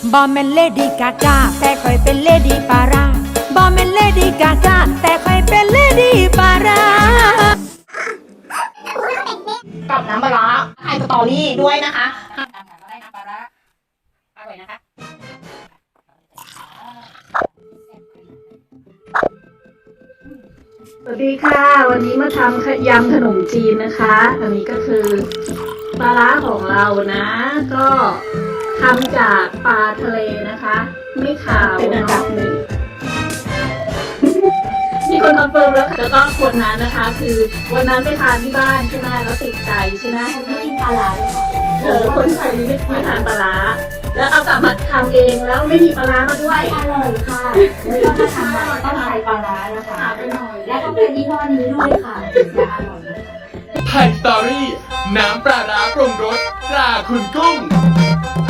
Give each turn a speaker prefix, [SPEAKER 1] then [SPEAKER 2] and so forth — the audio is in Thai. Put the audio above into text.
[SPEAKER 1] บอมแมนเลดี้กากาแต่คอยเป็นเลดี้ปาราบอมแมนเลดี้กากาแต่คอยเป็นเลดี้ปารา
[SPEAKER 2] กับน้ำปลาร้าไฮสตอรี่ด้วยนะคะก็ได้น้ำปลาร้าอร่อยนะคะ
[SPEAKER 3] สวัสดีค่ะวันนี้มาทำยำขนมจีนนะคะอันนี้ก็คือปลาร้าของเรานะก็ทำจากปลาทะเลนะคะไม่ขาว
[SPEAKER 2] เป็นอันดับหนึ่ง
[SPEAKER 3] มีคนคอนเฟิร์มแล้วค่ะแล้วก็คนนั้นนะคะคือวันนั้นไปทานที่บ้านใช่ไหมแล้วติดใจใช่ไหมไม่กินปลาร้าคนไทยไม่ทานปลาร้าแล้วเอากลับมาทำเองแล้วไม่มีปลาร้ามาด้วย
[SPEAKER 4] อร่อยค่ะแล้วก็ถ้าทำต้องใช้ปลาร้านะคะและต้องเป็นยี่ห้อนี้ด้วยค่ะถึงจะอร่อยนะคะ
[SPEAKER 5] ไทยสตอรี่น้ำปลาร้าปรุงรสตราคุณกุ้ง